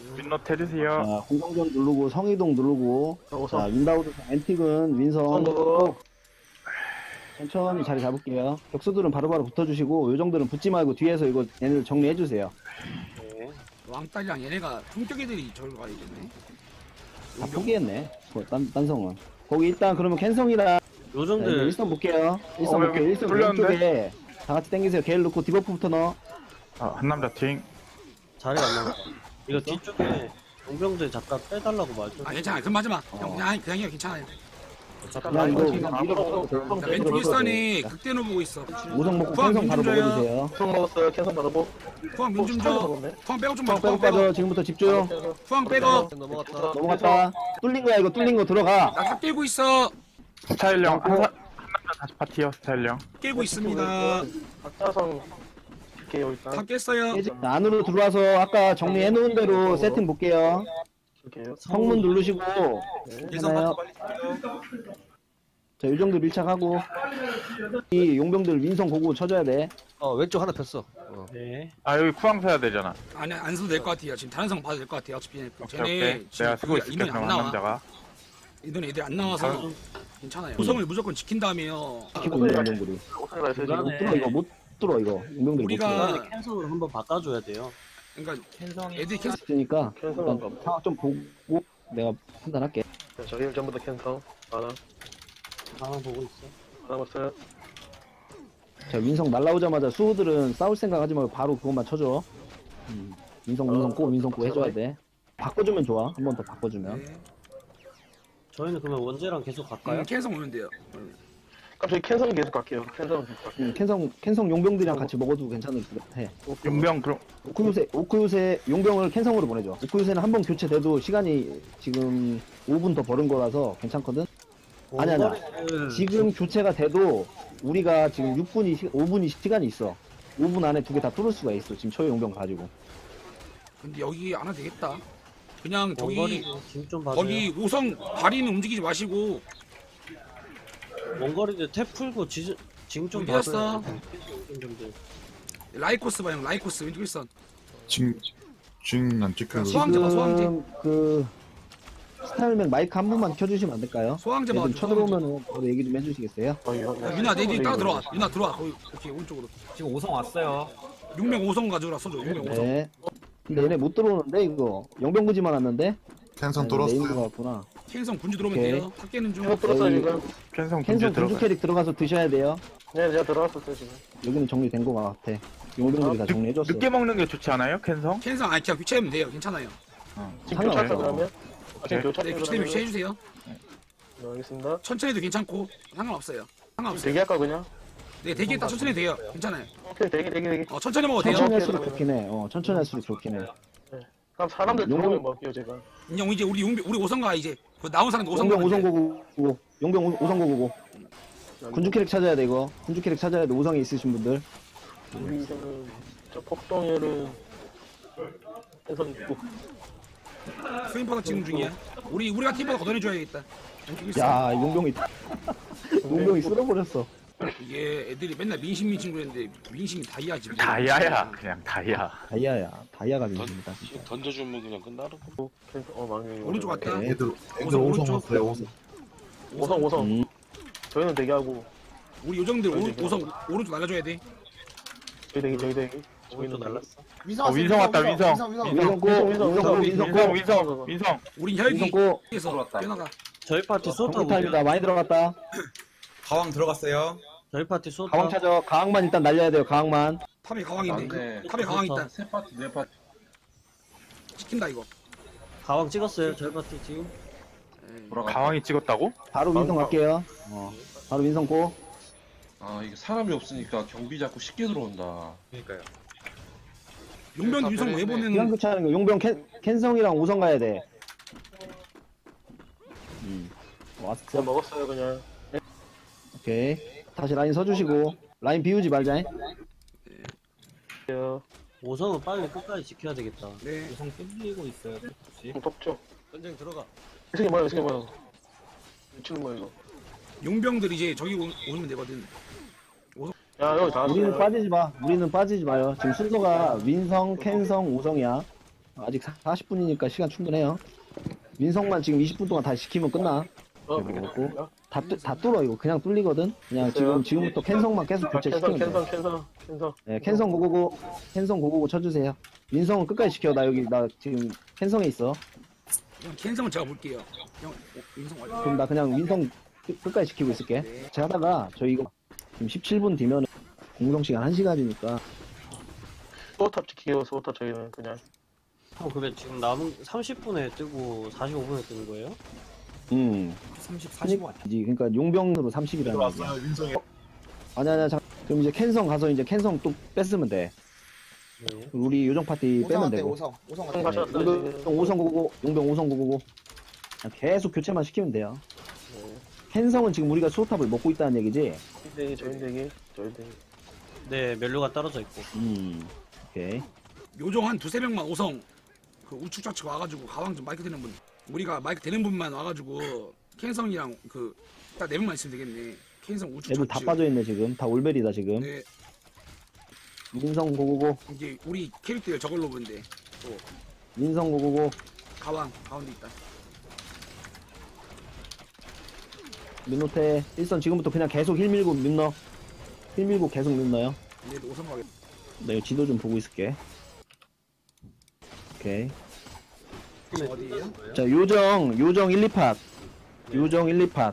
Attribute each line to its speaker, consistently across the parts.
Speaker 1: 윈노트 해주세요.
Speaker 2: 자, 공성전 누르고 성이동 누르고 자, 윈다우드 앤틱은 윈성 천천히 자리 잡을게요. 격수들은 바로바로 붙어주시고 요정들은 붙지 말고 뒤에서 이거 얘네들 정리해주세요.
Speaker 3: 왕딸이랑 얘네가 성격애들이 저기로 가야겠네.
Speaker 2: 다 포기했네. 딴성은. 거기 일단 그러면 캔성이랑
Speaker 4: 요정들
Speaker 2: 일선 볼게요. 일선
Speaker 1: 여기
Speaker 2: 볼게요. 일선
Speaker 1: 뚫렸는데?
Speaker 2: 왼쪽에 다 같이 당기세요. 게일 넣고 디버프부터 넣어.
Speaker 1: 한 남자 팅.
Speaker 4: 자리가 안 나왔다. 이거 뒤쪽에 용병들 잠깐 빼달라고 말좀
Speaker 3: 아 괜찮아. 그럼 맞아 마. 형 그냥 해요. 괜찮아요.
Speaker 2: 그냥 이거 밀어넣어도
Speaker 3: 자, 왼쪽 일선에 극대노 보고 있어.
Speaker 2: 우성 먹고
Speaker 3: 포항
Speaker 2: 캔성 바로
Speaker 3: 민중조야.
Speaker 2: 먹어주세요.
Speaker 5: 캔성 먹었어요. 캔성 받아보.
Speaker 3: 포항 민좀 줘. 포항 빼고 좀 봐.
Speaker 2: 빼고
Speaker 3: 포항 빼고.
Speaker 2: 빠져. 지금부터 집중.
Speaker 3: 포항 빼고.
Speaker 2: 넘어갔다. 뚫린 거야 이거 뚫린 거 들어가.
Speaker 3: 나다 깨고 있어.
Speaker 1: 스타일령 한 남자 다시 파티요. 스타일령.
Speaker 3: 깨고 있습니다.
Speaker 5: 박자성 볼게요 일단.
Speaker 3: 다 깼어요.
Speaker 2: 자, 안으로 들어와서 아까 정리해놓은 대로 세팅 볼게요.
Speaker 5: 볼게요.
Speaker 2: 성문 누르시고
Speaker 3: 예상
Speaker 2: 하나요? 자, 요정들 밀착하고 이 용병들 윈성 고고 쳐줘야 돼.
Speaker 6: 왼쪽 하나 폈어.
Speaker 4: 네.
Speaker 1: 여기 쿠왕 서야 되잖아.
Speaker 3: 아니 안 써도 될 것 같아요. 지금 다른 상 봐도 될 것 같아요. 어차피
Speaker 1: 오케이
Speaker 3: 쟤네
Speaker 1: 오케이. 내가 쓰고 있을게
Speaker 3: 인원이
Speaker 1: 그럼
Speaker 3: 안
Speaker 1: 한
Speaker 3: 나와.
Speaker 1: 남자가.
Speaker 3: 인원이 애들이 안 나와서 괜찮아요. 구성을 무조건 지킨 다음에요.
Speaker 2: 시키고 있는 용병들이.
Speaker 5: 오사가 있어요 지금.
Speaker 2: 못 뚫어 이거 못 뚫어 이거 용병들이 못 뚫어.
Speaker 3: 우리가
Speaker 4: 캔성으로 한번 바꿔줘야 돼요.
Speaker 3: 그러니까 애들이 계속
Speaker 2: 있으니까
Speaker 5: 캔성한 거.
Speaker 2: 일단 상황 좀 보고 내가 판단할게.
Speaker 5: 저희 전부 다 캔성. 하나.
Speaker 4: 상황 보고 있어.
Speaker 5: 하나 봤어요.
Speaker 2: 자, 윈성 날라오자마자 수호들은 싸울 생각 하지 말고 바로 그것만 쳐줘. 윈성 꼬 해줘야 돼. 바꿔주면 좋아. 한 번 더 바꿔주면.
Speaker 3: 네.
Speaker 4: 저희는 그러면 원제랑 계속 갈까요?
Speaker 3: 계속 오면 돼요.
Speaker 5: 그럼 저희 캔성 계속 갈게요. 캔성 계속 갈게요.
Speaker 2: 캔성 용병들이랑 같이 먹어도 괜찮을 것 같아.
Speaker 1: 용병 그럼
Speaker 2: 오쿠요세 용병을 캔성으로 보내줘. 오쿠요세는 한 번 교체돼도 시간이 지금 5분 더 버는 거라서 괜찮거든? 아니야.
Speaker 4: 원거리는
Speaker 2: 지금 교체가 돼도 우리가 지금 5분이 시간이 있어. 5분 안에 두 개 다 뚫을 수가 있어. 지금 초유 용병 가지고.
Speaker 3: 근데 여기 안 와도 되겠다. 그냥 저기
Speaker 4: 원거리는 짐좀 봐줘요.
Speaker 3: 거기 5성 다리는 움직이지 마시고
Speaker 4: 원거리들 탭 풀고 징좀
Speaker 3: 어디 갔어?
Speaker 4: 봐줘요. 용병들.
Speaker 3: 라이코스 봐 형. 라이코스 왼쪽 일선.
Speaker 7: 지금 안 찍혀요.
Speaker 3: 소황제 봐, 소황제.
Speaker 2: 지금 그 스타일맨 마이크 한 번만 켜주시면 안 될까요?
Speaker 3: 소황제 봐.
Speaker 2: 얘들 쳐들어오면 저도 얘기 좀 해주시겠어요?
Speaker 3: 유나 내 뒤에 따라 들어와. 유나 들어와. 거기 오케이 오른쪽으로.
Speaker 8: 지금 5성 왔어요.
Speaker 3: 6명 5성 가져라 써줘. 6명 5성.
Speaker 2: 네. 근데 얘네 못 들어오는데 이거 영병구지만 왔는데?
Speaker 7: 캔성
Speaker 2: 네임거
Speaker 7: 뚫었어요.
Speaker 2: 같구나.
Speaker 3: 캔성 군주 들어오면
Speaker 2: 오케이.
Speaker 3: 돼요. 탁 깨는 중.
Speaker 5: 캔성 뚫었어요 지금.
Speaker 1: 캔성 군주
Speaker 2: 캔성
Speaker 1: 들어가.
Speaker 2: 군주 캐릭 들어가서 드셔야 돼요.
Speaker 5: 네 제가 들어왔었어요 지금.
Speaker 2: 여기는 정리된 거 같아. 용병들이 다 정리해줬어.
Speaker 1: 늦게 먹는 게 좋지 않아요? 캔성?
Speaker 3: 캔성 아니 그냥 교체하면 돼요. 괜찮아요.
Speaker 5: 지금
Speaker 2: 상관없어요.
Speaker 5: 교차했어 그러면? 지금
Speaker 3: 네,
Speaker 5: 교차했어
Speaker 3: 교체 교체 해주세요.
Speaker 5: 네, 알겠습니다.
Speaker 3: 천천히 해도 괜찮고 상관없어요. 상관없어요.
Speaker 5: 대기할까 그냥?
Speaker 3: 네 대기했다 천천히 해도 돼요. 괜찮아요.
Speaker 5: 오케이 대기.
Speaker 3: 천천히 먹어도 돼요.
Speaker 2: 천천히 할수록 좋긴 해. 천천히 할수록 좋긴 해.
Speaker 5: 그럼 사람들
Speaker 2: 용병-
Speaker 5: 들어오면 먹게요 제가.
Speaker 3: 인형 이제 우리 5성가 이제 그 나온 사람 5성
Speaker 2: 용병 우성고고 용병 우성고고 군주 캐릭 찾아야 돼 이거. 군주 캐릭 찾아야 돼. 우성이 있으신 분들.
Speaker 5: 우리는 저 폭동열은 캔성 있고.
Speaker 3: 스윙파도 지금 중이야. 우리가 팀보다 걷어내줘야겠다. 왼쪽 일선.
Speaker 2: 야 용병이 용병이 쓸어버렸어.
Speaker 3: 이게 애들이 맨날 민심 그랬는데 민심이 다이아지.
Speaker 1: 다이아야 그냥 다이아.
Speaker 2: 다이아가 민입니다.
Speaker 9: 던져주면 그냥 끝나는 거.
Speaker 5: 캔성 망해.
Speaker 3: 오른쪽 왔다.
Speaker 2: 오케이.
Speaker 7: 애들
Speaker 3: 오성,
Speaker 7: 5성
Speaker 3: 오른쪽.
Speaker 7: 왔어요. 5성.
Speaker 5: 5성.
Speaker 2: 음.
Speaker 5: 저희는 대기하고.
Speaker 3: 우리 요정들 5성 오른쪽 날려줘야 돼.
Speaker 5: 저희 대기. 저희는
Speaker 4: 오른쪽 날랐어.
Speaker 1: 윈성 왔다 윈성.
Speaker 2: 윈성
Speaker 1: 윈성.
Speaker 3: 우린
Speaker 2: 윈성 꼬.
Speaker 3: 혈기에서 뛰어나가.
Speaker 4: 저희 파티 쏘타
Speaker 2: 정글타입니다. 많이 들어갔다.
Speaker 8: 가왕 들어갔어요.
Speaker 4: 저희 파티 쏘타.
Speaker 2: 가왕 찾아. 가왕만 일단 날려야 돼요. 가왕만.
Speaker 3: 탑에 가왕인데. 탑에 가왕 있다. 시킨다 이거.
Speaker 4: 가왕 찍었어요. 저희 파티 지금.
Speaker 1: 가왕이 찍었다고?
Speaker 2: 바로 윈성 갈게요. 바로 윈성 꼬.
Speaker 9: 아 이게 사람이 없으니까 경비 자꾸 쉽게 들어온다.
Speaker 8: 그러니까요.
Speaker 3: 용병 유성
Speaker 2: 기왕
Speaker 3: 내보내는
Speaker 2: 교체하는 거. 용병 캔성이랑 우성 가야 돼. 왔어.
Speaker 5: 제가 먹었어요 그냥.
Speaker 2: 오케이. 다시 라인 서주시고. 라인 비우지 말자.
Speaker 4: 5성은 빨리 끝까지 지켜야 되겠다.
Speaker 3: 네.
Speaker 8: 5성 뚫리고 있어요. 혹시?
Speaker 5: 덥죠.
Speaker 4: 전쟁 들어가.
Speaker 5: 이 새끼 뭐야 미치는 거야 이거.
Speaker 3: 용병들 이제 저기 오면 되거든.
Speaker 5: 야 여기 다
Speaker 2: 우리는
Speaker 5: 왔어요.
Speaker 2: 빠지지 마. 우리는 빠지지 마요. 지금 순서가 윈성, 캔성, 우성이야. 아직 40분이니까 시간 충분해요. 민성만 지금 20분 동안 다시 시키면 끝나.
Speaker 5: 어,
Speaker 2: 다 뚫어 이거 그냥 뚫리거든. 그냥 지금부터 캔성만 계속
Speaker 5: 캔성
Speaker 2: 교체시키면 돼.
Speaker 5: 캔성
Speaker 2: 네, 캔성 고고고 쳐주세요. 민성은 끝까지 시켜. 나 지금 캔성에 있어.
Speaker 3: 형 캔성은 제가 볼게요. 형 민성 완료.
Speaker 2: 그럼 나 그냥 민성 끝까지 지키고 있을게. 제가 하다가 저희 이거 지금 17분 뒤면 공성 시간 1시간이니까
Speaker 5: 소탑 지키고 소탑 저희는 그냥
Speaker 4: 그래 지금 남은 30분에 뜨고 45분에 뜨는 거예요?
Speaker 8: 30, 45 아니야?
Speaker 2: 그러니까 용병으로 30이라는 거야.
Speaker 7: 왔어요 민성이.
Speaker 2: 아니야. 그럼 이제 캔성 가서 이제 캔성 또 뺐으면 돼.
Speaker 4: 네.
Speaker 2: 우리 요정 파티 빼면 되고.
Speaker 8: 오성
Speaker 5: 형 가셨어요 지금.
Speaker 2: 5성 고고고 용병 5성 고고고. 그냥 계속 교체만 시키면 돼요. 캔성은 지금 우리가 수호탑을 먹고 있다는 얘기지.
Speaker 5: 저인대기
Speaker 4: 네 멜로가 떨어져 있고.
Speaker 2: 오케이.
Speaker 3: 요정 한 두세 명만 오성 그 우측 좌측 와가지고 가왕 좀 마이크 되는 분. 우리가 마이크 되는 분만 와가지고 캔성이랑 그 딱 네 명만 있으면 되겠네. 캔성 우측
Speaker 2: 애들
Speaker 3: 좌측.
Speaker 2: 다 빠져있네 지금. 다 올벨이다 지금.
Speaker 3: 네,
Speaker 2: 민성 고고고.
Speaker 3: 이제 우리 캐릭터를 저걸로 본데 또
Speaker 2: 민성 고고고.
Speaker 3: 가왕 가운데 있다.
Speaker 2: 민노태 1선 지금부터 그냥 계속 힐 밀고 민너. 힐 밀고 계속 민너요.
Speaker 3: 얘도 오성 가겠다.
Speaker 2: 나 이거 지도 좀 보고 있을게. 오케이.
Speaker 3: 어디에요?
Speaker 2: 자, 요정 1, 2팟. 요정 1, 2팟.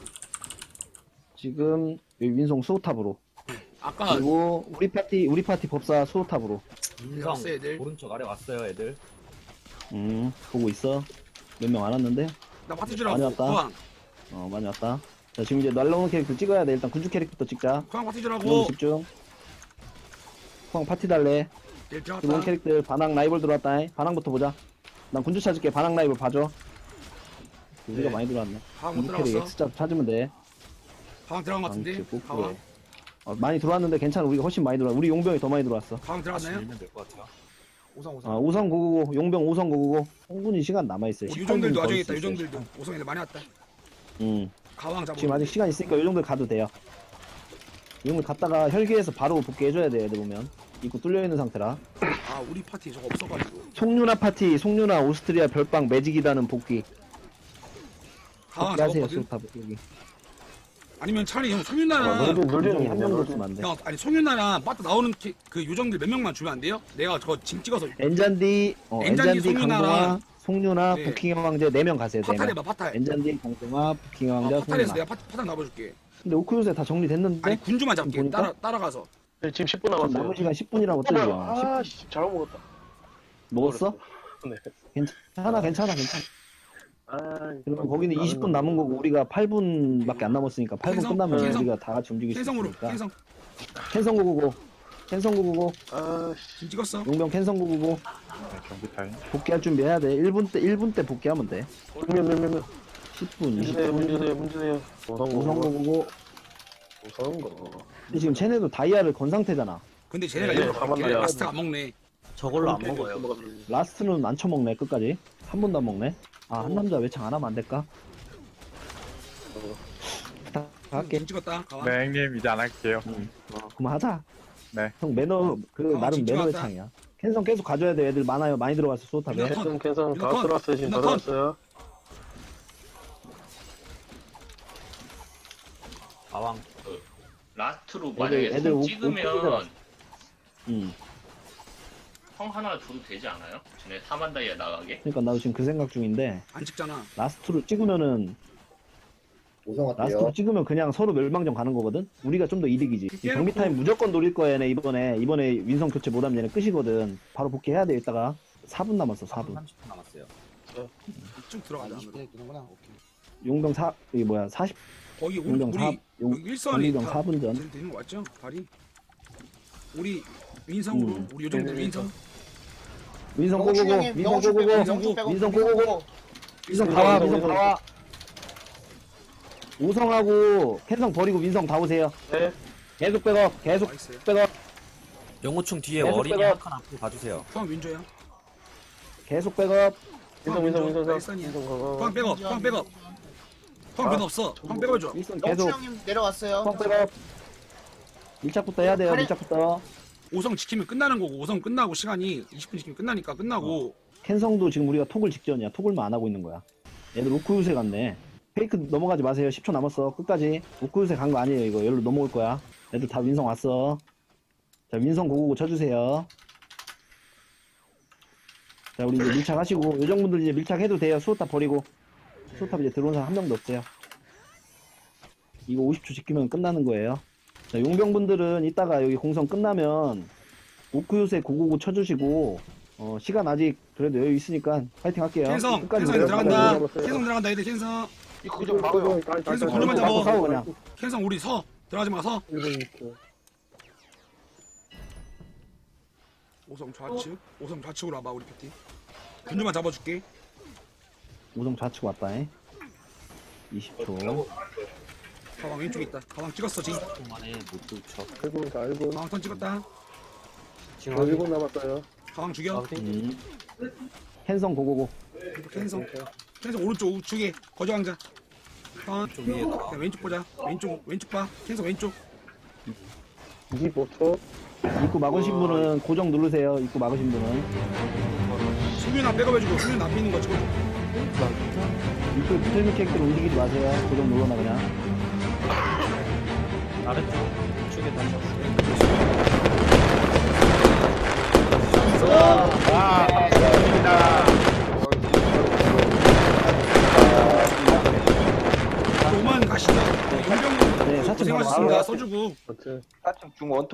Speaker 2: 지금 여기 민성 수호탑으로.
Speaker 3: 아까
Speaker 2: 그리고 우리 파티 법사 수호탑으로.
Speaker 8: 민성
Speaker 3: 왔어, 애들.
Speaker 8: 오른쪽 아래 왔어요 애들.
Speaker 2: 보고 있어. 몇 명 안 왔는데?
Speaker 3: 나 파티 주라고.
Speaker 2: 많이 왔다.
Speaker 3: 가왕
Speaker 2: 많이 왔다. 자, 지금 이제 날라오는 캐릭터 찍어야 돼. 일단 군주 캐릭터부터 찍자.
Speaker 3: 가왕 파티
Speaker 2: 너무
Speaker 3: 주라고.
Speaker 2: 집중. 후방 파티 달래.
Speaker 3: 일
Speaker 2: 들어온
Speaker 3: 들어갔다.
Speaker 2: 캐릭터 반항 라이벌 들어왔다. 반항부터 보자. 난 군주 찾을게. 반항 라이벌 봐줘. 우리가 많이 들어왔네.
Speaker 3: 가왕 못
Speaker 2: 군주 캐릭
Speaker 3: 들어갔어.
Speaker 2: X자 찾으면 돼.
Speaker 3: 가왕 들어간 것 같은데.
Speaker 2: 방치 꼭
Speaker 3: 가왕.
Speaker 2: 그래. 많이 들어왔는데 괜찮아. 우리가 훨씬 많이 들어왔. 우리 용병이 더 많이 들어왔어.
Speaker 3: 가왕 들어갔나요?
Speaker 8: 밀면 될 것 같아요. 오성
Speaker 2: 아, 5성 고고고. 용병 5성 고고고. 충분히 시간 남아있어요.
Speaker 3: 우리 요정들도
Speaker 2: 18분 더
Speaker 3: 와줘야겠다.
Speaker 2: 있을 수 있어요.
Speaker 3: 요정들도 오성 애들 많이 왔다.
Speaker 2: 응.
Speaker 3: 가왕 잡아.
Speaker 2: 지금 아직 시간 있으니까 요 정도 가도 돼요. 이 정도 갔다가 혈기에서 바로 복귀해줘야 돼, 애들 보면. 입구 뚫려있는 상태라.
Speaker 3: 아 우리 파티 저거 없어가지고.
Speaker 2: 송유나 파티, 송유나 오스트리아 별빵 매직이다는 복귀.
Speaker 3: 가왕
Speaker 2: 복귀하세요,
Speaker 3: 잡았거든.
Speaker 2: 수탑 복귀.
Speaker 3: 아니면 차라리 형 송윤나랑
Speaker 2: 너희도
Speaker 5: 물정이
Speaker 2: 한명 넣었으면 안 돼.
Speaker 3: 형 아니 송윤나랑 빠따 나오는 그 요정들 몇 명만 주면 안 돼요? 내가 저거 짐 찍어서
Speaker 2: 엔잔디,
Speaker 3: 엔잔디,
Speaker 2: 강동아,
Speaker 3: 송유나랑
Speaker 2: 송유나,
Speaker 3: 네.
Speaker 2: 부킹 왕제 4명 가세요, 4명.
Speaker 3: 파탈 해봐 파탈.
Speaker 2: 엔잔디, 강동아, 부킹 왕자,
Speaker 3: 파탈에서
Speaker 2: 송유나.
Speaker 3: 내가 파탈 나눠줄게.
Speaker 2: 근데 오크 요새 다 정리됐는데?
Speaker 3: 아니 군주만 잡게.
Speaker 2: 보니까?
Speaker 3: 따라가서.
Speaker 5: 네, 지금 10분
Speaker 2: 남은
Speaker 5: 남았어요
Speaker 2: 시간 10분이라고 뜨죠.
Speaker 5: 아씨 잘못 먹었다
Speaker 2: 먹었어?
Speaker 5: 네.
Speaker 2: 괜찮아.
Speaker 5: 아
Speaker 2: 그리고 거기는 20분 남은 거고 우리가 8분밖에 안 남았으니까 8분
Speaker 3: 캔성,
Speaker 2: 끝나면
Speaker 3: 캔성.
Speaker 2: 우리가 다 같이 움직일 수
Speaker 3: 캔성으로
Speaker 2: 있으니까.
Speaker 3: 캔성
Speaker 2: 캔성 고고고
Speaker 5: 아씨
Speaker 3: 짐 찍었어.
Speaker 2: 용병 캔성 고고고
Speaker 1: 네, 경기 타임.
Speaker 2: 복귀할 준비해야 돼. 1분 때 복귀하면 돼.
Speaker 5: 면
Speaker 2: 10분,
Speaker 5: 문제세요
Speaker 2: 20분.
Speaker 5: 문제세요
Speaker 2: 우성 고고고.
Speaker 5: 우선 거
Speaker 2: 근데 지금 쟤네도 다이아를 건 상태잖아.
Speaker 3: 근데 쟤네가
Speaker 5: 네,
Speaker 3: 이거
Speaker 5: 가만
Speaker 3: 먹게.
Speaker 5: 놔야
Speaker 3: 라스트가 안 먹네.
Speaker 4: 저걸로 안 먹어요.
Speaker 2: 라스트는 안 쳐먹네 끝까지. 한 번도 안 먹네. 아, 한 남자 외창 안 하면 안 될까? 할게.
Speaker 3: 짐 찍었다. 가왕.
Speaker 1: 네, 형님 이제 안 할게요.
Speaker 2: 그만 하자.
Speaker 1: 네.
Speaker 2: 형 매너 그
Speaker 3: 아,
Speaker 2: 나름
Speaker 3: 진짜
Speaker 2: 매너
Speaker 3: 맞다.
Speaker 2: 외창이야. 캔성 계속 가져야 돼. 애들 많아요. 많이 들어갔어 소탑에.
Speaker 3: 유나콘.
Speaker 5: 캔성 다
Speaker 3: 유나콘.
Speaker 5: 들어왔어요 지금 다
Speaker 3: 유나콘.
Speaker 5: 들어왔어요
Speaker 8: 가왕
Speaker 6: 라스트로 만약에
Speaker 2: 애들
Speaker 6: 손
Speaker 2: 오-
Speaker 6: 찍으면
Speaker 2: 오픈이더라.
Speaker 6: 형 하나 줘도 되지 않아요? 쟤네 4만 다이아 나가게?
Speaker 2: 그러니까 나도 지금 그 생각 중인데
Speaker 3: 안 찍잖아.
Speaker 2: 라스트로 찍으면은 라스트로 찍으면 그냥 서로 멸망전 가는 거거든. 우리가 좀 더 이득이지. 이 경기 타임 무조건 노릴 거야 얘네 이번에 윈성 교체 못하면 얘네 끝이거든. 바로 복귀해야 돼. 이따가 4분 남았어. 4분.
Speaker 8: 30분 남았어요.
Speaker 3: 쭉 들어가자.
Speaker 2: 용병 40
Speaker 3: 거기 우리
Speaker 2: 용병 4
Speaker 3: 여기 일선이
Speaker 2: 용병 4분 전.
Speaker 3: 되는 거 맞죠? 발이. 우리 윈성으로 우리 요정들 윈성.
Speaker 2: 윈성 고고고. 윈성 고고고. 윈성 다와. 윈성 다와. 오성하고 캔성 버리고 윈성 다 오세요.
Speaker 5: 네
Speaker 2: 계속 백업. 계속
Speaker 3: 나이스.
Speaker 2: 백업.
Speaker 8: 영호충 뒤에
Speaker 2: 계속
Speaker 8: 어린이
Speaker 2: 빼가.
Speaker 8: 한 칸 앞으로 가주세요.
Speaker 3: 포항 윈조야.
Speaker 2: 계속 백업.
Speaker 5: 윈성
Speaker 3: 일선이야.
Speaker 5: 거
Speaker 3: 포항 백업. 포항 백업. 포항 변 없어. 포항 백업 줘.
Speaker 2: 윈성 계속
Speaker 10: 형님 내려왔어요.
Speaker 2: 펑 백업. 1차부터 해야 돼요. 1차부터.
Speaker 3: 오성 지키면 끝나는 거고 오성 끝나고 시간이 20분 지키면 끝나니까 끝나고
Speaker 2: 캔성도 지금 우리가 톡을 직전이야. 톡을만 안 하고 있는 거야. 얘들 우쿠유세 갔네. 페이크 넘어가지 마세요. 10초 남았어. 끝까지. 우쿠유세 간 거 아니에요. 이거 여기로 넘어올 거야. 애들 다 윈성 왔어. 자, 윈성 고고고 쳐주세요. 자, 우리 이제 밀착하시고, 요정분들 이제 밀착해도 돼요. 수호탑 버리고. 수호탑 이제 들어온 사람 한 명도 없어요. 이거 50초 지키면 끝나는 거예요. 자, 용병분들은 이따가 여기 공성 끝나면 우쿠요새 고고고 쳐주시고, 시간 아직 그래도 여유 있으니까 파이팅 할게요.
Speaker 3: 캔성
Speaker 2: 끝까지
Speaker 3: 캔성 애들
Speaker 2: 내려가요.
Speaker 3: 들어간다. 캔성 들어간다. 애들 캔성.
Speaker 5: 이거 좀 막아요.
Speaker 3: 캔성 건너만
Speaker 2: 싸워,
Speaker 3: 잡아.
Speaker 2: 그냥.
Speaker 3: 캔성 우리 서 들어가지 마 서. 오성 좌측. 오성 좌측으로 와봐 우리 패티. 군주만 잡아줄게.
Speaker 2: 우성 좌측 왔다, 20초.
Speaker 3: 가방 왼쪽에 있다. 가방 찍었어 지금.
Speaker 8: 만에 못 쫓쳐.
Speaker 5: 1분 4분
Speaker 3: 가방 턴 찍었다.
Speaker 8: 지금
Speaker 5: 1분 남았어요.
Speaker 3: 가방 죽여.
Speaker 2: 캔성 고고고.
Speaker 3: 캔성. 캔성 오른쪽 우측에 거저강자. 턴.
Speaker 8: 위에다가.
Speaker 3: 자, 왼쪽 보자. 왼쪽 봐. 캔성 왼쪽.
Speaker 5: 25초.
Speaker 2: 입구 막으신 분은 고정 누르세요. 입구 막으신 분은.
Speaker 3: 수면 앞 백업해주고 수면 앞에 있는 거 지금.
Speaker 2: 입구에 붙어있는 캐릭터를 움직이지 마세요. 고정 눌러놔, 그냥.
Speaker 8: 아래쪽 우측에 다시 왔어요.
Speaker 3: 오만 가시죠. 용병
Speaker 2: 네, 사층 바로
Speaker 3: 고생하셨습니다. 써주고.
Speaker 5: 어째.
Speaker 10: 4층 중원